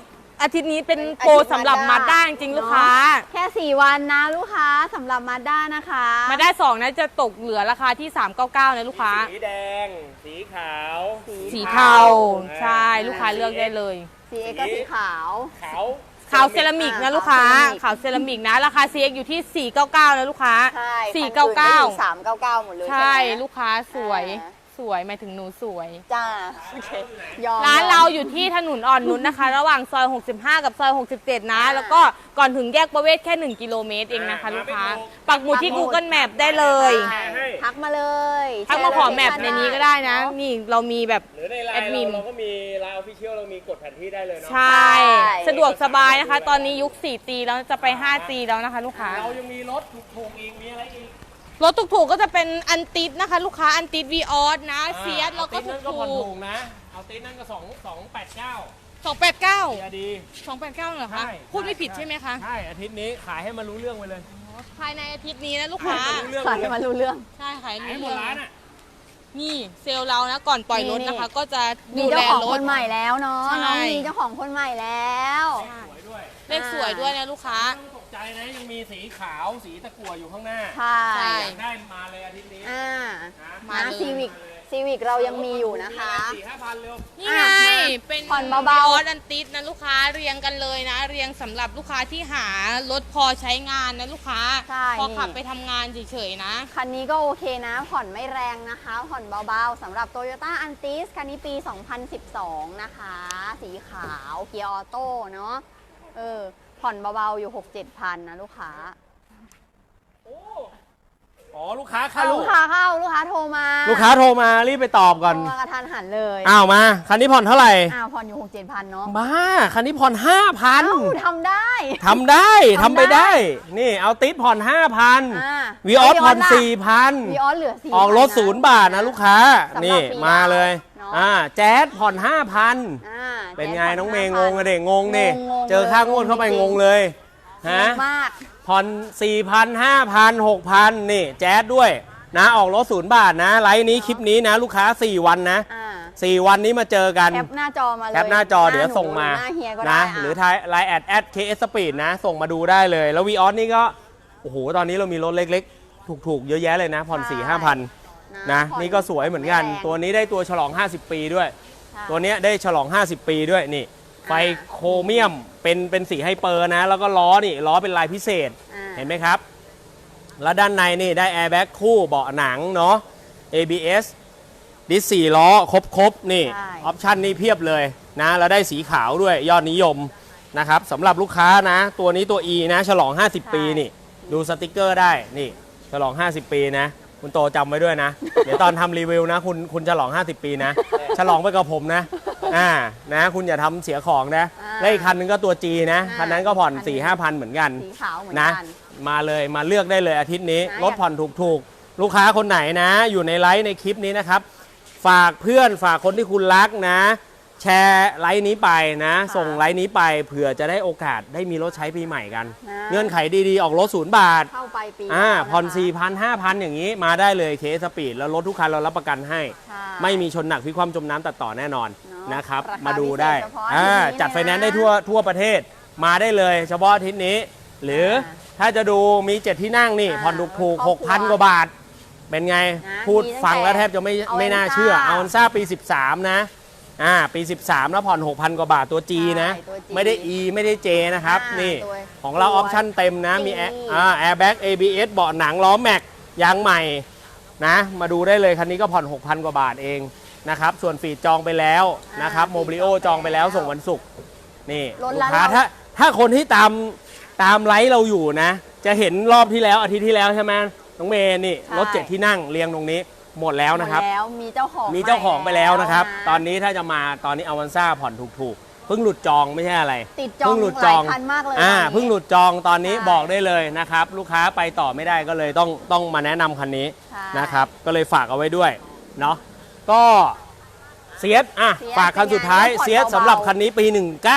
[SPEAKER 1] อาทิตย์นี้เป็นโปรสำหรับมาด้าจริงๆลูกค้า
[SPEAKER 2] แค่4วันนะลูกค้าสำหรับมาด้านะคะ
[SPEAKER 1] มาด้า2นะจะตกเหลือราคาที่399นะลูกค้า
[SPEAKER 3] สีแดง สีขาว
[SPEAKER 1] สีเทาใช่ลูกค้าเลือกได้เลย
[SPEAKER 2] CX ก็สีขาว
[SPEAKER 1] ขาวเซรามิกนะลูกค้าขาวเซรามิกนะราคา CX อยู่ที่499นะลูกค้า
[SPEAKER 2] ใช่
[SPEAKER 1] 499
[SPEAKER 2] 399หมดเลย
[SPEAKER 1] ใช่
[SPEAKER 2] ไหม
[SPEAKER 1] ลูกค้าสวยสวยหมายถึงหนูสวย
[SPEAKER 2] จ้าโอเคยอม
[SPEAKER 1] ร้านเราอยู่ที่ถนนอ่อนนุชนะคะ ระหว่างซอย 65 กับซอย 67 นะ แล้วก็ก่อนถึงแยกประเวศแค่ 1 กิโลเมตรเองนะคะ ลูกค้า ปักหมุดที่ Google Map ได้เลย
[SPEAKER 2] ใช่ทักมาเลย
[SPEAKER 1] ทักมาขอแมปในนี้ก็ได้นะ นี่เรามีแบบ
[SPEAKER 3] หรือในไล
[SPEAKER 1] แอด
[SPEAKER 3] น์
[SPEAKER 1] มิน
[SPEAKER 3] เราก็มีไลน์ออฟฟิเชียลเรามีกดแผนที่ได้เลยเนาะ
[SPEAKER 1] ใช่ สะดวกสบายนะคะ ตอนนี้ยุค 4G แล้วจะไป 5G แล้วนะคะ ลูกค้า
[SPEAKER 3] เรายังมีรถถูกๆอีกมีอะไรอีก
[SPEAKER 1] รถถูกๆก็จะเป็นอันติดนะคะ ลูกค้าอันติดวีออสนะเซียสแล้วก็
[SPEAKER 3] เอาติ๊นั่นก็
[SPEAKER 1] ถู
[SPEAKER 3] ผ่อน
[SPEAKER 1] ก
[SPEAKER 3] ถูกนะ เอาติ๊นั่นก็289
[SPEAKER 1] 289
[SPEAKER 3] เสียดี
[SPEAKER 1] 289เหรอคะ
[SPEAKER 3] ใช่
[SPEAKER 1] พูดไม่ผิดใช่ไหมคะ
[SPEAKER 3] ใช่อาทิตย์นี้ขายให้มันรู้เรื่องไปเลย
[SPEAKER 1] ภายในอาทิตย์นี้นะลูกค้า
[SPEAKER 3] ให้มันรู้เรื่อง
[SPEAKER 2] ขอ
[SPEAKER 3] ไป
[SPEAKER 2] ให้
[SPEAKER 3] เลย
[SPEAKER 2] มารู้เรื่อง
[SPEAKER 1] ใช่ขาย
[SPEAKER 3] ขายให้
[SPEAKER 1] เรื่
[SPEAKER 3] หม
[SPEAKER 1] อ
[SPEAKER 3] ด
[SPEAKER 1] ง
[SPEAKER 3] ร้านอ่ะ
[SPEAKER 1] นี่เซลล์เรานะก่อนปล่อยรถนะคะ ก็จะ
[SPEAKER 2] มี
[SPEAKER 1] ดู
[SPEAKER 2] เจ้า
[SPEAKER 1] แล
[SPEAKER 2] ของ
[SPEAKER 1] ร
[SPEAKER 2] ค
[SPEAKER 1] ถ
[SPEAKER 2] นใหม่แล้วเนาะ
[SPEAKER 1] ใช่
[SPEAKER 2] น้องมีเจ้าของคนใหม่แล้ว
[SPEAKER 3] สวยด้วย
[SPEAKER 1] เลขสวยด้วยนะลูกค้า
[SPEAKER 3] ไม่ต้องตกใจนะยังมีสีขาวสีตะกั่วอยู่ข้างหน้า
[SPEAKER 2] ใช่
[SPEAKER 1] ใช่
[SPEAKER 3] อยากได้มาเลยอาทิตย์นี้
[SPEAKER 2] อ่า
[SPEAKER 1] มา
[SPEAKER 2] นะ
[SPEAKER 1] เลย
[SPEAKER 2] ซีวิกเรายังมีอยู่นะคะ
[SPEAKER 3] 4-5 พันเร็ว
[SPEAKER 1] นี่ไง เป็น
[SPEAKER 2] ผ่อนเบาๆ
[SPEAKER 1] ออสอันติดนะลูกค้าเรียงกันเลยนะ เรียงสำหรับลูกค้าที่หารถพอใช้งานนะลูกค้า
[SPEAKER 2] ใช่
[SPEAKER 1] พอขับ
[SPEAKER 2] นี่
[SPEAKER 1] ไปทำงานเฉยๆนะ
[SPEAKER 2] คันนี้ก็โอเคนะ ผ่อนไม่แรงนะคะ ผ่อนเบาๆสำหรับ Toyota Antis คันนี้ปี 2012 นะคะ สีขาวเกียร์ออโต้เนาะผ่อนเบาๆอยู่ 6-7 พันนะลูกค้า
[SPEAKER 3] อ๋อลูกค้าเข้า
[SPEAKER 2] ลูกค้าโทรมา
[SPEAKER 3] ลูกค้าโทรมารีบไปตอบก่อน
[SPEAKER 2] โทรมากระทันหันเลย
[SPEAKER 3] อ้าวมา คันนี้ผ่อนเท่าไหร่
[SPEAKER 2] ผ่อนอยู่ 6-7 พันเนาะ
[SPEAKER 3] บ้า คันนี้ผ่อน 5,000
[SPEAKER 2] ทำได้
[SPEAKER 3] ทำได้
[SPEAKER 2] ทำ
[SPEAKER 3] ทำไป
[SPEAKER 2] ได้
[SPEAKER 3] ได้ นี่เอาติดผ่อน 5,000วีออสผ่อน
[SPEAKER 2] วีออสเหลือ
[SPEAKER 3] 4,000
[SPEAKER 2] 4,000
[SPEAKER 3] ออกรถ0 บาทนะลูกค้า
[SPEAKER 2] สำหรับ
[SPEAKER 3] นี่
[SPEAKER 2] ฟรี
[SPEAKER 3] มาเลย
[SPEAKER 2] เนอะ
[SPEAKER 3] แจ๊สผ่อน 5,000 เป็นไงน้องเมย์งงอะเด็กงงนี่
[SPEAKER 2] งง
[SPEAKER 3] เจอค่างวดเข้าไปงงเลย ฮะ
[SPEAKER 2] มาก
[SPEAKER 3] ผ่อน 4,000 5,000 6,000 นี่แจ๊สด้วยนะออกรถ0 บาทนะ ไลฟ์นี้คลิปนี้นะ ลูกค้า 4 วันนะ 4 วันนี้มาเจอกัน
[SPEAKER 2] แคปหน้าจอมาเลย
[SPEAKER 3] แคปหน้าจอเดี๋ยวส่งมา
[SPEAKER 2] หน้าเฮียก็ได้
[SPEAKER 3] นะหรือทายไลน์แอด KS Speed นะ ส่งมาดูได้เลย แล้ววีออสนี่ก็ โอ้โห ตอนนี้เรามีรถเล็กๆ ถูกๆ เยอะแยะเลยนะ ผ่อน 4-5,000 นะ นี่ก็สวยเหมือนกัน ตัวนี้ได้ตัวฉลอง 50 ปีด้วย ตัวเนี้ยได้ฉลอง 50 ปีด้วยนี่ ไฟโครเมียมเป็นสีไฮเปอร์นะ แล้วก็ล้อนี่ล้อเป็นลายพิเศษ เห็นไหมครับ แล้วด้านในนี่ได้แอร์แบ็กคู่เบาะหนังเนาะ ABS ดิส4 ล้อครบนี่
[SPEAKER 2] ใช่
[SPEAKER 3] ออปชันนี่เพียบเลยนะ แล้วได้สีขาวด้วยยอดนิยมนะครับสำหรับลูกค้านะ ตัวนี้ตัว E นะ ฉลอง 50 ปีนี่ ดูสติกเกอร์ได้นี่ ฉลอง 50 ปีนะ คุณโตจำไว้ด้วยนะ เดี๋ยวตอนทำรีวิวนะ คุณฉลอง 50 ปีนะ ฉลองไปกับผมนะนะ คุณอย่าทำเสียของนะและอีกคันนึงก็ตัว G นะคันนั้นก็ผ่อน 4-5 พันเหมือนกัน
[SPEAKER 2] สีขาวเหมือน
[SPEAKER 3] นะ
[SPEAKER 2] กัน
[SPEAKER 3] มาเลยมาเลือกได้เลยอาทิตย์นี้
[SPEAKER 2] นะ
[SPEAKER 3] รถผ่อนถูกๆ ลูกค้าคนไหนนะ อยู่ในไลฟ์ในคลิปนี้นะครับ ฝากเพื่อนฝากคนที่คุณรักนะ แชร์ไลฟ์นี้ไปนะ ส่งไลฟ์นี้ไปเผื่อจะได้โอกาสได้มีรถใช้ปีใหม่กัน เงื่อนไขดีๆ ออกรถ0 บาท
[SPEAKER 2] เข้าไปปี
[SPEAKER 3] ผ่อน
[SPEAKER 2] แล้วะคะ
[SPEAKER 3] 4,000 5,000 อย่างนี้มาได้เลยเคสปีดแล้วรถทุกคันเรารับประกันให้
[SPEAKER 2] ใช่
[SPEAKER 3] ไม่มีชนหนักพลิกคว่ำจมน้ำตัดต่อแน่นอน
[SPEAKER 2] เนอะ
[SPEAKER 3] นะครับ
[SPEAKER 2] ราคา
[SPEAKER 3] มาดูได้
[SPEAKER 2] พิเศษเฉพาะอาทิตย์นี้
[SPEAKER 3] จัด
[SPEAKER 2] เลยนะ
[SPEAKER 3] ไฟแนนซ์ได้ทั่วประเทศมาได้เลย เฉพาะอาทิตย์นี้ หรือถ้าจะดูมี 7 ที่นั่งนี่ผ่อนถูก
[SPEAKER 2] ครอบครัว
[SPEAKER 3] 6,000 กว่าบาท เป็นไง
[SPEAKER 2] นะ
[SPEAKER 3] พูด
[SPEAKER 2] มีตั้งแต่
[SPEAKER 3] ฟังแล้วแทบจะไม่น่าเชื่อ
[SPEAKER 2] Avanza
[SPEAKER 3] เอาอันซ่าปี 13 นะปี 13 แล้วผ่อน 6,000 กว่าบาทตัว G นะ
[SPEAKER 2] ใช่ตัว G
[SPEAKER 3] ไม่ได้ E ไม่ได้ J นะครับนี่
[SPEAKER 2] ตัว
[SPEAKER 3] ของเราออปชั่นเต็มนะมี
[SPEAKER 2] G
[SPEAKER 3] แอร์แบ็ก ABS เบาะหนังล้อแม็กยางใหม่นะมาดูได้เลยคันนี้ก็ผ่อน 6,000 กว่าบาทเองนะครับส่วนฟีดจองไปแล้วนะครับโมบิโอจองไปแล้วส่งวันศุกร์นี่
[SPEAKER 2] รถ
[SPEAKER 3] ลู
[SPEAKER 2] ละ
[SPEAKER 3] กค้า
[SPEAKER 2] เรา
[SPEAKER 3] ถ้าคนที่ตามไลฟ์เราอยู่นะ จะเห็นรอบที่แล้วอาทิตย์ที่แล้วใช่ไหมน้องเมย์นี่
[SPEAKER 2] ใช่
[SPEAKER 3] รถ7 ที่นั่งเรียงตรงนี้หมดแล้วนะครับ
[SPEAKER 2] หมดแล้วมีเจ้าของ
[SPEAKER 3] มีเจ้าของไปแล้วนะครับ
[SPEAKER 2] ะ
[SPEAKER 3] ตอนนี้ถ้าจะมาตอนนี้อวันซ่าผ่อนถูกๆเพิ่งหลุดจองไม่ใช่อะไร
[SPEAKER 2] ติดจอง
[SPEAKER 3] เพิ่งหลุดจอง
[SPEAKER 2] หลายคันมากเลย
[SPEAKER 3] เพิ่งหลุดจองตอนนี้
[SPEAKER 2] ใช่
[SPEAKER 3] บอกได้เลยนะครับ ลูกค้าไปต่อไม่ได้ก็เลยต้องมาแนะนำคันนี้
[SPEAKER 2] ใช่
[SPEAKER 3] นะครับ ก็เลยฝากเอาไว้ด้วยเนาะก็เซียส
[SPEAKER 2] เซียส
[SPEAKER 3] ฝากคันสุดท้าย
[SPEAKER 2] เป็นไง
[SPEAKER 3] เซียส
[SPEAKER 2] ผ่อนเบาๆ
[SPEAKER 3] สำหรับคันนี้ปี 19
[SPEAKER 2] น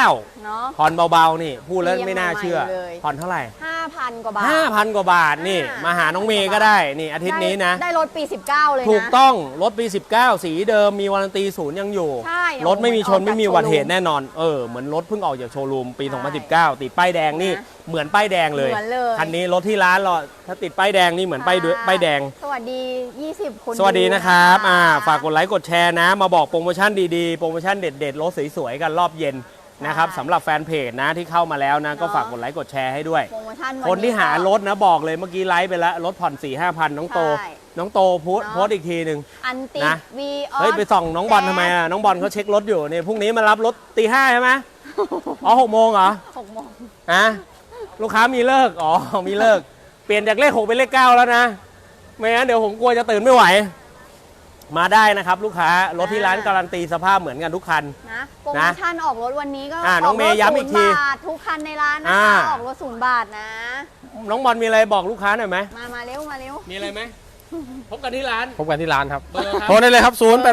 [SPEAKER 2] เนาะ
[SPEAKER 3] ผ่อนเบาๆนี่พูดแล้วไม่น่าเชื่อ
[SPEAKER 2] ใหม่ๆเลย
[SPEAKER 3] ผ่อนเท่าไหร่
[SPEAKER 2] 5,000 กว่าบาท
[SPEAKER 3] 5,000 กว่าบาทนี่มาหาน้องเมย์ก็ได้นี่อาทิตย์นี้นะ
[SPEAKER 2] ได้รถปี 19 เลยนะ
[SPEAKER 3] ถูกต้องรถปี 19 สีเดิมมีวารันตีศูนย์ยังอยู่
[SPEAKER 2] ใช่
[SPEAKER 3] รถไม่มีชน
[SPEAKER 2] เหมือน
[SPEAKER 3] ไม่มี
[SPEAKER 2] ออกจาก
[SPEAKER 3] อุบัติเหตุ
[SPEAKER 2] โชว์รูม
[SPEAKER 3] แน่นอนเหมือนรถเพิ่งออกจากโชว์รูมปี
[SPEAKER 2] ใช่
[SPEAKER 3] 2019 ติดป้ายแดงนี่
[SPEAKER 2] นะ
[SPEAKER 3] เหมือนป้ายแดงเลย
[SPEAKER 2] เหมือนเลย
[SPEAKER 3] คันนี้รถที่ร้านเราถ้าติดป้ายแดงนี่เหมือนป้ายแดง
[SPEAKER 2] สวัสดี 20 คน
[SPEAKER 3] สวัสดีนะครับ
[SPEAKER 2] ดู
[SPEAKER 3] ฝากกดไลค์กดแชร์นะ มาบอกโปรโมชั่นดีๆ โปรโมชั่นเด็ดๆ รถสวยๆ กันรอบเย็นนะครับสำหรับแฟนเพจนะที่เข้ามาแล้วนะ ก็ฝากกดไลค์กดแชร์ให้ด้วย
[SPEAKER 2] โปรโมชั่นวั
[SPEAKER 3] คนที่หารถนะบอกเลยเมื่อกี้ไลฟ์ไปแล้ว รถผ่อน 4-5,000 น้องโต
[SPEAKER 2] ใช่
[SPEAKER 3] น้องโตโพสต์อีกทีหนึ่ง
[SPEAKER 2] อันติ
[SPEAKER 3] นะ
[SPEAKER 2] วีออ
[SPEAKER 3] เฮ้ย ไปส่องน้องบอลทำไมอ่ะ น้องบอลเขาเช็ครถอยู่นี่พรุ่งนี้มารับรถตี 5ใช่ไหมอ๋อ6 โมงเหรอ
[SPEAKER 2] 6 โมง
[SPEAKER 3] ฮะลูกค้ามีเลิกอ๋อมีเลิก เปลี่ยนจากเลข 6 เป็นเลข 9 แล้วนะไม่งั้นเดี๋ยวผมกลัวจะตื่นไม่ไหว มาได้นะครับลูกค้ารถที่ร้านการันตีสภาพเหมือนกันทุกคัน
[SPEAKER 2] นะโปรโมชั่นออกรถวันนี้ก็
[SPEAKER 3] น้องเมย์ย้ำอีกที
[SPEAKER 2] 0 บาททุกคันในร้านนะคะออกรถ0 บาทนะ
[SPEAKER 3] น้องบอลมีอะไรบอกลูกค้าหน่อยไหม
[SPEAKER 2] มาเร็วมาเร็ว
[SPEAKER 3] มีอะไรไหมพบกันที่ร้าน
[SPEAKER 4] พบกันที่ร้านครับ
[SPEAKER 3] เบอร์ครับ
[SPEAKER 4] โทรได้เลยครับ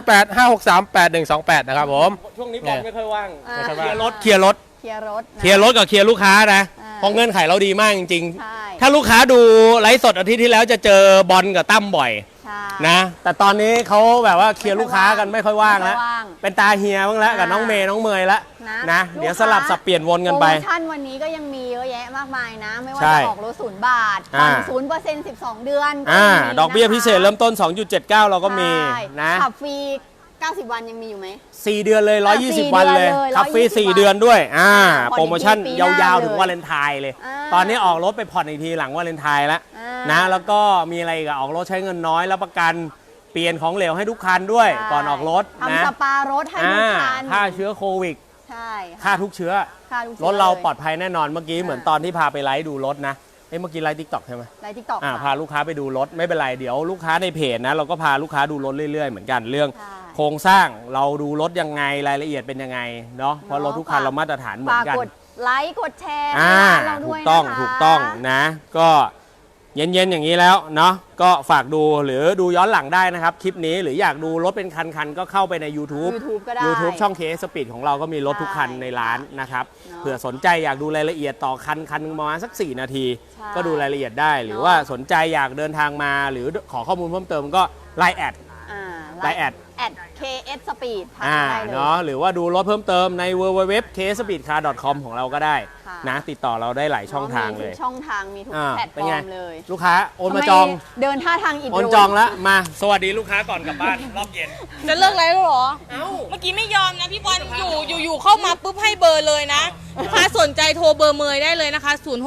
[SPEAKER 4] 0885638128 นะครับผม
[SPEAKER 3] ช่วงนี้บอลไม่ค่อยว่าง
[SPEAKER 2] อ่า
[SPEAKER 3] เคลียร์รถเคลียร์รถ
[SPEAKER 2] เคลียร์รถนะ
[SPEAKER 3] เคลียร์รถกับเคลียร์ลูกค้านะ
[SPEAKER 2] อ่า
[SPEAKER 3] เพราะเงื่อนไขเราดีมากจริง
[SPEAKER 2] ใช่
[SPEAKER 3] ๆ ถ้าลูกค้าดูไลฟ์สดอาทิตย์ที่แล้วจะเจอบอลกับตั้มบ่อย
[SPEAKER 2] ใช่
[SPEAKER 3] นะ แต่ตอนนี้เขาแบบว่าเคลียร์ลูกค้ากันไม่ค่อยว่างแล้ว
[SPEAKER 2] ไม่ค่อยว่าง
[SPEAKER 3] เป็นตาเฮียบ้างแล้วกับน้องเมย์น้องเมย์แล้วนะเดี๋ยวสลับสับเปลี่ยนวนกันไป
[SPEAKER 2] โปรโมชั่นวันนี้ก็ยังมีเยอะแยะมากมายนะ ไม่ว่า
[SPEAKER 3] ใช่
[SPEAKER 2] จะออกรถ0 บาทผ่อน 0% 12 เดือนก็ยังมี
[SPEAKER 3] ดอกเบี้ยพิเศษเริ่มต้น 2.79 เราก็มี
[SPEAKER 2] ใช่
[SPEAKER 3] นะ
[SPEAKER 2] ขับฟรี 90 วันยังมีอยู่ไหม
[SPEAKER 3] 4 เดือนเลย 120 วันเลย
[SPEAKER 2] 4 เดือนเลย
[SPEAKER 3] ขับฟรี
[SPEAKER 2] 120
[SPEAKER 3] 4 เดือนด้วย
[SPEAKER 2] ผ่อนอีก
[SPEAKER 3] โปรโมชั่น
[SPEAKER 2] ปีห
[SPEAKER 3] ย
[SPEAKER 2] น้า
[SPEAKER 3] าว
[SPEAKER 2] เลย
[SPEAKER 3] ๆ ถึงวาเลนไทน์เลย
[SPEAKER 2] อ่า
[SPEAKER 3] ตอนนี้ออกรถไปผ่อนอีกทีหลังวาเลนไทน์แล้ว
[SPEAKER 2] อ่า
[SPEAKER 3] นะ แล้วก็มีอะไรอีกอะออกรถใช้เงินน้อยแล้วประกันเปลี่ยนของเหลวให้ทุกคันด้วย
[SPEAKER 2] ใช่
[SPEAKER 3] ก่อนออกรถนะ
[SPEAKER 2] ทำสปารถให้ทุกคัน
[SPEAKER 3] ค่าเชื้อโควิด
[SPEAKER 2] ใช่
[SPEAKER 3] ค่าทุกเชื้อ
[SPEAKER 2] ค่าทุก
[SPEAKER 3] รถเราปลอ
[SPEAKER 2] ด
[SPEAKER 3] ดภัยแน่นอน เมื่อกี้เหมือนตอนที่พาไปไลฟ์ดูรถนะเมื่อกี้ไลฟ์ทิกตอกใช่ไหม
[SPEAKER 2] ไลน์ทิกตอก
[SPEAKER 3] พาลูกค้าไปดูรถไม่เป็นไรเดี๋ยวลูกค้าในเพจนะเราก็พาลูกค้าดูรถเรื่อยๆเหมือนกันเรื่อง
[SPEAKER 2] ใช่
[SPEAKER 3] โครงสร้างเราดูรถยังไงรายละเอียดเป็นยังไงเนาะเพราะรถทุกคันเรามาตรฐานเหมือ
[SPEAKER 2] ฝาน ก
[SPEAKER 3] กัน
[SPEAKER 2] กดไลค์กดแชร์ให้ร้านเราด้
[SPEAKER 3] ถู
[SPEAKER 2] วย
[SPEAKER 3] ก
[SPEAKER 2] นะคะ
[SPEAKER 3] ต้องถูกต้องนะ ก็เย็นๆอย่างนี้แล้วเนาะก็ฝากดูหรือดูย้อนหลังได้นะครับ คลิปนี้หรืออยากดูรถเป็นคันๆก็เข้าไปใน YouTube
[SPEAKER 2] YouTube ก็ได้
[SPEAKER 3] YouTube ช่อง KS Speed ของเราก็มีรถทุกคันในร้านนะครับ
[SPEAKER 2] เนาะ
[SPEAKER 3] เผื่อสนใจอยากดูรายละเอียดต่อคันหนึงประมาณสัก 4 นาที
[SPEAKER 2] ใช่
[SPEAKER 3] ก็ดูรายละเอียดได้ หรือ
[SPEAKER 2] เนาะ
[SPEAKER 3] ว่าสนใจอยากเดินทางมาหรือขอข้อมูลเพิ่มเติมก็ไลน์แอด ไลน์แอด
[SPEAKER 2] KS Speed ทัก
[SPEAKER 3] อ่า
[SPEAKER 2] ได้เลย
[SPEAKER 3] เนาะหรือว่าดูรถเพิ่มเติมใน www.kspeedcar.com ของเราก็ได้
[SPEAKER 2] ค่ะ
[SPEAKER 3] นะติดต่อเราได้หลายช่องทางเลย
[SPEAKER 2] มีทุกช่องทางมีทุก
[SPEAKER 3] อ่า
[SPEAKER 2] แพลตฟ
[SPEAKER 3] เป็น
[SPEAKER 2] อ
[SPEAKER 3] ไง
[SPEAKER 2] ร์มเลย
[SPEAKER 3] ลูกค้าโอนมา
[SPEAKER 2] ทำไ
[SPEAKER 3] จอง
[SPEAKER 2] เดินท่าทางอิด
[SPEAKER 3] โอน
[SPEAKER 2] โรย
[SPEAKER 3] จองแล้วมาสวัสดีลูกค้าก่อนกลับบ้าน รอบเย็น
[SPEAKER 1] จะเลิกไลฟ์แล้วเหรอ
[SPEAKER 3] เอ้า
[SPEAKER 1] เมื่อกี้ไม่ยอมนะพี่บอลอยู่เข้ามาปุ๊บให้เบอร์เลยนะลูกค้าสนใจโทรเบอร์เมย์ได้เลยนะคะ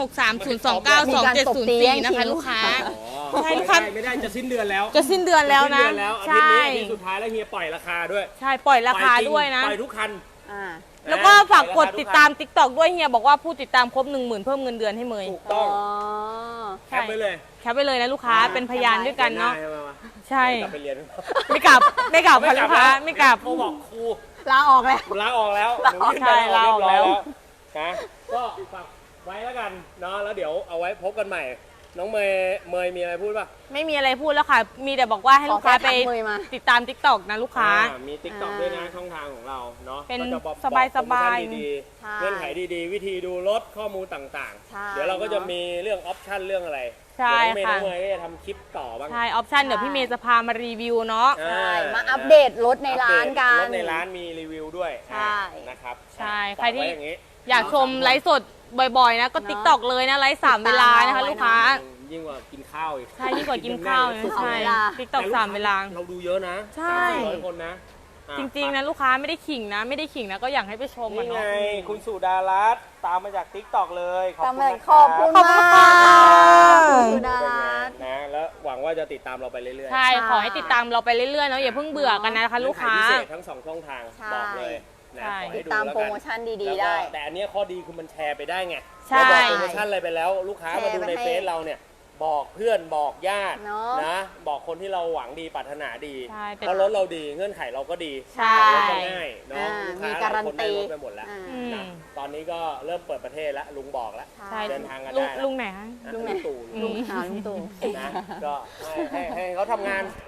[SPEAKER 1] 0630292704 นะคะลูกค้า ใช่ลูกค้า
[SPEAKER 3] ไม่ได้จะสิ้นเดือนแล้ว
[SPEAKER 1] จะสิ้นเดือนแล้วนะ
[SPEAKER 3] สิ้เดือนแล้วอาทิตย์
[SPEAKER 1] ใช่
[SPEAKER 3] นี้อาทิตย์สุดท้ายแล้วเฮียปล่อยราคาด้วย
[SPEAKER 1] ใช่ปล่อยราคา
[SPEAKER 3] ปล่อจง
[SPEAKER 1] ด้วยนะ
[SPEAKER 3] ปล่อยทุกคัน
[SPEAKER 2] อ่า
[SPEAKER 1] แล้วก็ฝากกดติดตาม TikTok ด้วยเฮียบอกว่าผู้ติดตามครบ 10,000 เพิ่มเงินเดือนให้เมย์
[SPEAKER 3] ถูกต้อง
[SPEAKER 2] อ๋อ
[SPEAKER 3] แคปไปเลย
[SPEAKER 1] แคปไปเลยนะลูกค้าเป็นพยานด้วยกันเนาะ
[SPEAKER 3] ได้ใช่ไหมวะ
[SPEAKER 1] ใช่
[SPEAKER 3] กลับไปเรียน
[SPEAKER 1] ไม่กลับค่ะลูกค้าไม่กลับ
[SPEAKER 3] เขาบอกครู
[SPEAKER 2] ลาออกแล้ว
[SPEAKER 3] ลาออกแล้ว
[SPEAKER 2] ลาออก
[SPEAKER 3] หนูยื่นใบ
[SPEAKER 1] ลาออกแล้ว
[SPEAKER 3] นะก็ฝากไว้แล้วกันเนาะแล้วเดี๋ยวเอาไว้พบกันใหม่ น้องเมย์มีอะไรพูดป่ะ
[SPEAKER 1] ไม่มีอะไรพูดแล้วค่ะ มีแต่บอกว่าให้ลูกค้าไป
[SPEAKER 2] ขอแค่ทักเมย์มา
[SPEAKER 1] ติดตาม TikTok นะลูกค้า
[SPEAKER 3] มีติ๊กต็อกด้วยนะช่องทางของเราเนาะ
[SPEAKER 1] เป็น
[SPEAKER 3] ก็จะบอก
[SPEAKER 1] สบายๆ
[SPEAKER 3] โปรโมชั่นดี
[SPEAKER 2] ใช่
[SPEAKER 3] ๆเงื่อนไขดีๆ วิธีดูรถข้อมูลต่าง
[SPEAKER 2] ใช่
[SPEAKER 3] ๆ เดี๋ยวเราก็จะมีเรื่องออปชั่นเรื่องอะไร
[SPEAKER 1] ใช่
[SPEAKER 3] เดี๋ยวน้องเมย์
[SPEAKER 1] ค่ะ
[SPEAKER 3] ก็จะทำคลิปต่อบ้าง
[SPEAKER 1] ใช่ ออปชั่นเดี๋ยวพี่เมย์จะพามารีวิวเนาะ
[SPEAKER 2] ใช่มาอัปเดตรถในร้านกัน
[SPEAKER 3] รถในร้านมีรีวิวด้วย
[SPEAKER 2] ใช่
[SPEAKER 3] นะครับ
[SPEAKER 1] ใช่
[SPEAKER 3] ฝาก
[SPEAKER 1] ใครที่
[SPEAKER 3] ไว้อย่างนี้
[SPEAKER 1] อยากชมไลฟ์สดบ่อยๆนะ ก็
[SPEAKER 2] เนาะ
[SPEAKER 1] TikTok เลยนะ ไลฟ์3เวลานะคะลูกค้า
[SPEAKER 3] ยิ่งกว่ากินข้าวอีก
[SPEAKER 1] ใช่ยิ่งกว่ากินข้าวนะ
[SPEAKER 2] สอง
[SPEAKER 1] ใช่
[SPEAKER 2] เวลา
[SPEAKER 1] TikTok 3เวลา
[SPEAKER 3] เราดูเยอะนะ
[SPEAKER 1] ใช่
[SPEAKER 3] 100 คนนะอ่ะ
[SPEAKER 1] จริงๆนะลูกค้าไม่ได้ขิงนะ ไม่ได้ขิงนะก็อยากให้ไปชมอ่ะ
[SPEAKER 3] นี่ไง
[SPEAKER 1] เนาะ
[SPEAKER 3] คุณสุดารัตน์ตามมาจาก TikTok เลยขอบ
[SPEAKER 2] ตาม
[SPEAKER 3] คุณ
[SPEAKER 2] มา
[SPEAKER 3] นะ
[SPEAKER 2] ขอบคุณ
[SPEAKER 1] ขอบคุณ
[SPEAKER 2] มาก
[SPEAKER 1] ค่ะ
[SPEAKER 2] คุณสุดารัตน์
[SPEAKER 3] นะแล้วหวังว่าจะติดตามเราไปเรื่อยๆ
[SPEAKER 1] ใช่ ขอให้ติดตามเราไปเรื่อยๆเนาะอย่าเพิ่งเบื่อกันนะคะลูกค้า
[SPEAKER 3] เงื่อนไขพิเศษทั้งสองช่องทาง
[SPEAKER 2] ใช่
[SPEAKER 3] บอกเลยนะ
[SPEAKER 1] ใช่
[SPEAKER 3] ขอให้
[SPEAKER 2] ติดตาม
[SPEAKER 3] แล้ว
[SPEAKER 2] โปร
[SPEAKER 3] กัน
[SPEAKER 2] โมชั่นดี
[SPEAKER 3] แล้ว
[SPEAKER 2] ๆ
[SPEAKER 3] ก็
[SPEAKER 2] ได้
[SPEAKER 3] แต่อันเนี้ยข้อดีคือมันแชร์ไปได้ไง
[SPEAKER 1] ใช่
[SPEAKER 3] เราบอกโปรโมชั่นอะไรไปแล้ว ลูกค้ามาดูใน
[SPEAKER 2] แชร์ไปให้
[SPEAKER 3] เฟซเราเนี่ยบอกเพื่อนบอกญาติ
[SPEAKER 2] เนอะ
[SPEAKER 3] นะบอกคนที่เราหวังดีปรารถนาดี
[SPEAKER 1] ใช่แต่
[SPEAKER 3] เพราะรถเราดีเงื่อนไขเราก็ดี
[SPEAKER 1] ใช่
[SPEAKER 3] รถก็ง่ายเนาะ
[SPEAKER 2] อ่า
[SPEAKER 3] ลูก
[SPEAKER 2] มี
[SPEAKER 3] ค้า
[SPEAKER 2] การัน
[SPEAKER 3] หลยคนได้
[SPEAKER 2] ตี
[SPEAKER 3] รถไปหมดแล้ว
[SPEAKER 2] อ่า
[SPEAKER 1] อืม
[SPEAKER 3] นะตอนนี้ก็เริ่มเปิดประเทศแล้วลุงบอกแล้ว
[SPEAKER 1] ใช่
[SPEAKER 3] เดินทางกัน
[SPEAKER 1] ลุ
[SPEAKER 3] ได้
[SPEAKER 1] งลุงไหนคะ
[SPEAKER 3] นะ
[SPEAKER 2] ลุงไหน
[SPEAKER 3] ตู่
[SPEAKER 1] อืม
[SPEAKER 2] ลุงตู่
[SPEAKER 3] นะก็ให้เขาทำงาน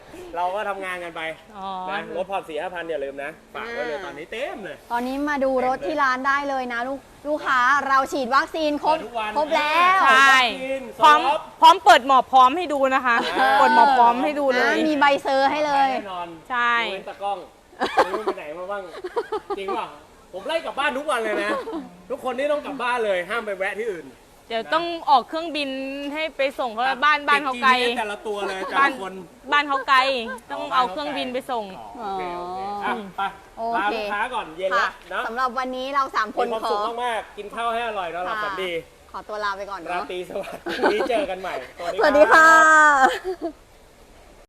[SPEAKER 3] เราก็ทำงานกันไป
[SPEAKER 1] อ๋อ
[SPEAKER 3] นะรถผ่อน4-5 พันอย่าลืมนะฝากไว้เลยตอนนี้เต็มเลย
[SPEAKER 2] ตอนนี้มาดูรถที่ร้านได้เลยนะลูกค้าเราฉีดวัคซีนครบ
[SPEAKER 3] เปิดทุกวัน
[SPEAKER 2] ครบแล้ว
[SPEAKER 1] ใช่
[SPEAKER 3] กิน
[SPEAKER 1] พร้อม
[SPEAKER 3] ซอฟต์
[SPEAKER 1] พร้อมเปิดหมอบพร้อมให้ดูนะคะ เปิดหมอบพร้อมให้ดูเล
[SPEAKER 2] นะ
[SPEAKER 1] ย
[SPEAKER 2] มีใบเซอร์ให้เลย
[SPEAKER 3] แน่นอน
[SPEAKER 1] ใช่
[SPEAKER 3] ดูเว้นตากล้องไม่รู้ไปไหนมาบ้างจริงป่ะผมไล่กลับบ้านทุกวันเลยนะ ทุกคนนี่ต้องกลับบ้านเลยห้ามไปแวะที่อื่น
[SPEAKER 1] เดี๋ยวต้องออกเครื่องบินให้ไปส่งเพราะว่าบ้านเขาไกล
[SPEAKER 3] ติด GPS แต่ละตัวเลยแต่
[SPEAKER 1] บ้าน
[SPEAKER 3] ละคน
[SPEAKER 1] บ้านเขาไกล ต้องเอาเครื่องบินไปส่ง
[SPEAKER 3] โอเคโอเคอ่ะไป
[SPEAKER 2] โอ
[SPEAKER 3] ลา
[SPEAKER 2] เค
[SPEAKER 3] ลูกค้าก่อนเย็น
[SPEAKER 2] ค่ะ
[SPEAKER 3] แล้วเนาะ
[SPEAKER 2] สำหรับวันนี้เรา3คน
[SPEAKER 3] มีความ
[SPEAKER 2] ข
[SPEAKER 3] สุ
[SPEAKER 2] อ
[SPEAKER 3] ขมากๆกินข้าวให้อร่อยนอนหลับฝันดี
[SPEAKER 2] ขอตัวลาไปก่อน
[SPEAKER 3] รา
[SPEAKER 2] เนาะ
[SPEAKER 3] ตรีสวัสดิ์พรุ่งนี้เจอกันใหม่
[SPEAKER 2] สวัสดีค่ะ